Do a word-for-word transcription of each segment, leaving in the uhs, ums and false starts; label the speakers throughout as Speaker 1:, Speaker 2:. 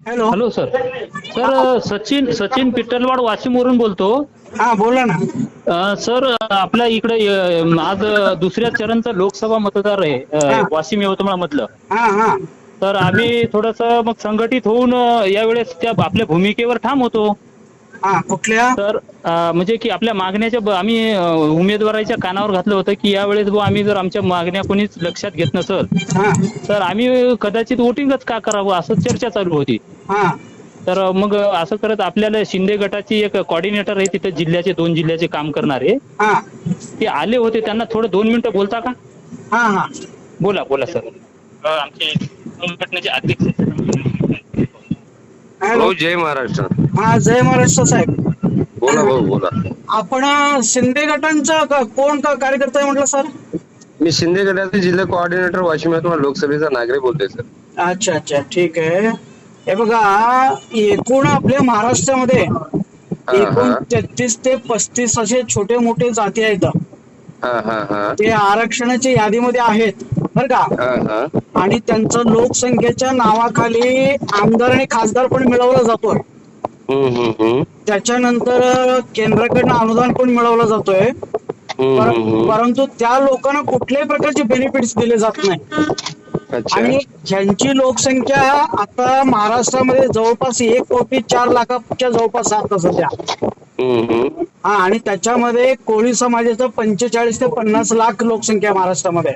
Speaker 1: Hello.
Speaker 2: Hello sir. Sir Sachin Sachin Pittalwad वाशिमवरून बोलतो.
Speaker 1: हा बोला ना.
Speaker 2: अ, सर आपल्या इकडे अ, आज दुसऱ्या चरणचं लोकसभा मतदार आहे
Speaker 1: हा
Speaker 2: अ, वाशिम यवतमाळ मधलं.
Speaker 1: हा हा
Speaker 2: तर आम्ही थोडस मग संघटित होऊन अ, यावेळेस त्या आपल्या भूमिकेवर ठाम होतो.
Speaker 1: हा कुठल्या?
Speaker 2: तर अ, म्हणजे की आपल्या मागण्याच्या ब- आम्ही अ, उमेदवाराच्या कानावर घातलं होतं की यावेळेस बुवा आम्ही जर आमच्या मागण्या कोणीच लक्षात घेत नसल
Speaker 1: हा
Speaker 2: तर आम्ही कदाचित वोटिंगच का करावं असं चर्चा चालू होती.
Speaker 1: हा
Speaker 2: तर मग असं करत आपल्याला शिंदे गटाची एक कॉर्डिनेटर आहे तिथे जिल्ह्याचे दोन जिल्ह्याचे काम करणारे
Speaker 1: हा
Speaker 2: ते आले होते. त्यांना थोडं दोन मिनिटं बोलता का?
Speaker 1: हा हा
Speaker 2: बोला बोला सर. अ, आमचे संघटनेचे अध्यक्ष.
Speaker 1: हॅलो.
Speaker 3: भाऊ जय महाराष्ट्र.
Speaker 1: हा जय महाराष्ट्र साहेब.
Speaker 3: बोला भाऊ बोला.
Speaker 1: आपण अ, शिंदे गटांचा क- कोण का कार्यकर्ता आहे म्हटलं सर?
Speaker 3: मी शिंदे गटाचे जिल्हा कोऑर्डिनेटर वाशिम यवतमाळ लोकसभेचा नागरिक बोलतोय सर.
Speaker 1: अच्छा अच्छा ठीक आहे. हे बघा, एकूण आपल्या महाराष्ट्रामध्ये
Speaker 3: हा
Speaker 1: एकूण
Speaker 3: हा
Speaker 1: तेहतीस ते पस्तीस असे छोटे मोठे जाती आहेत.
Speaker 3: हा हा हा
Speaker 1: ते आरक्षणाच्या यादीमध्ये आहेत बर का.
Speaker 3: हा हा
Speaker 1: आणि त्यांचं लोकसंख्येच्या नावाखाली आमदार आणि खासदार पण मिळवला जातोय.
Speaker 3: हम्म हम्म हम्म
Speaker 1: त्याच्यानंतर केंद्राकडनं अनुदान पण मिळवलं जातोय.
Speaker 3: हम्म
Speaker 1: पर-
Speaker 3: हम्म हम्म.
Speaker 1: परंतु त्या लोकांना कुठल्याही प्रकारचे बेनिफिट्स दिले जात नाही.
Speaker 3: अच्छा.
Speaker 1: आणि ज्यांची लोकसंख्या आता महाराष्ट्रामध्ये जवळपास एक कोटी चार लाखाच्या जवळपास आता सध्या.
Speaker 3: हम्म हम्म
Speaker 1: हा आणि त्याच्यामध्ये कोळी समाजाचं पंचेचाळीस ते पन्नास लाख लोकसंख्या आहे महाराष्ट्रामध्ये.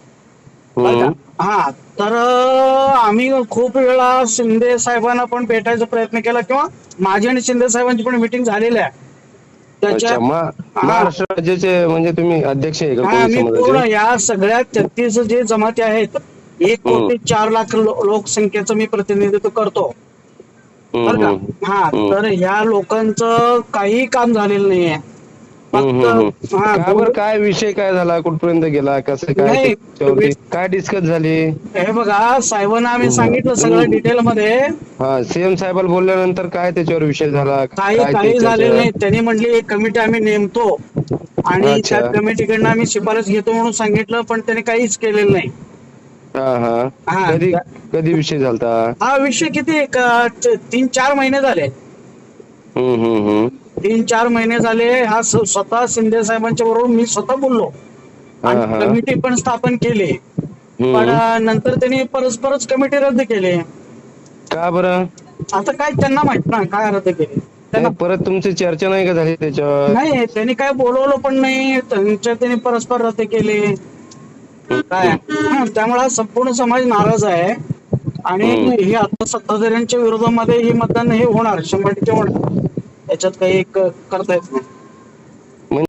Speaker 1: बर का.
Speaker 3: हम्म
Speaker 1: हा तर अं, आम्ही खूप वेळा शिंदे साहेबांना पण भेटायचा प्रयत्न केला किंवा माझी आणि शिंदे साहेबांची पण मीटिंग झालेली आहे. त्याच्या
Speaker 3: अच्छा. मा
Speaker 1: हा
Speaker 3: महाराष्ट्र राज्याचे म्हणजे तुम्ही अध्यक्ष आहे का
Speaker 1: हा
Speaker 3: कोळी
Speaker 1: मी पूर्ण
Speaker 3: समाजाचे?
Speaker 1: या सगळ्या तेहतीस जे जमाती आहेत एक
Speaker 3: हम्म
Speaker 1: कोटी चार लाख लो- लोकसंख्येचं मी प्रतिनिधित्व करतो. बर
Speaker 3: हम्म
Speaker 1: का.
Speaker 3: हम्म
Speaker 1: हा
Speaker 3: हम्म
Speaker 1: तर ह्या लोकांचं काही काम झालेलं नाहीये.
Speaker 3: हम्म
Speaker 1: फक्त
Speaker 3: हम्म हम्म.
Speaker 1: हा
Speaker 3: का
Speaker 1: बोल
Speaker 3: बरं, काय विषय काय झाला, कुठपर्यंत गेला, कसं काय
Speaker 1: नाही.
Speaker 3: त्याच्यावरती काय डिस्कस झाली?
Speaker 1: हे बघा साहेबांना आम्ही
Speaker 3: हम्म.
Speaker 1: सांगितलं सगळं
Speaker 3: तुम्ही
Speaker 1: डिटेल मध्ये.
Speaker 3: हा सीएम साहेबांना बोलल्यानंतर काय त्याच्यावर विषय झाला,
Speaker 1: काही
Speaker 3: काय ते
Speaker 1: काही झालेलं
Speaker 3: त्याच्यावर?
Speaker 1: नाही. त्यांनी म्हटली एक कमिटी आम्ही नेमतो आणि त्या
Speaker 3: अच्छा.
Speaker 1: कमिटीकडनं आम्ही शिफारस घेतो म्हणून सांगितलं, पण त्याने काहीच केलेलं नाही.
Speaker 3: हा हा
Speaker 1: हा
Speaker 3: कधी
Speaker 1: त्या-
Speaker 3: कधी विषय झालता?
Speaker 1: हा विषय किती एक, अं, त- तीन चार महिने झाले.
Speaker 3: हम्म हम्म हम्म
Speaker 1: तीन चार महिने झाले. हा स- स्वतः शिंदे साहेबांच्या बरोबर मी स्वतः बोललो
Speaker 3: हा
Speaker 1: आणि
Speaker 3: हा
Speaker 1: कमिटी पण स्थापन केली. पण
Speaker 3: हम्म.
Speaker 1: अं, नंतर त्यांनी परस्परच कमिटी रद्द केली.
Speaker 3: का बरं?
Speaker 1: आता काय त्यांना माहित ना काय रद्द केली त्यांना.
Speaker 3: नाही, परत तुमची चर्चा नाही का झाली त्याच्यावर?
Speaker 1: नाही त्यांनी काय बोलवलं पण नाही. त्यांच्या त्यांनी परस्पर रद्द केले काय.
Speaker 3: हम्म
Speaker 1: हा, त्यामुळे हा संपूर्ण समाज नाराज आहे आणि
Speaker 3: हम्म
Speaker 1: हे आता सत्ताधाऱ्यांच्या विरोधामध्ये हे मतदान हे होणार, शंभर टक्के होणार. याच्यात काही क- करता येत नाही.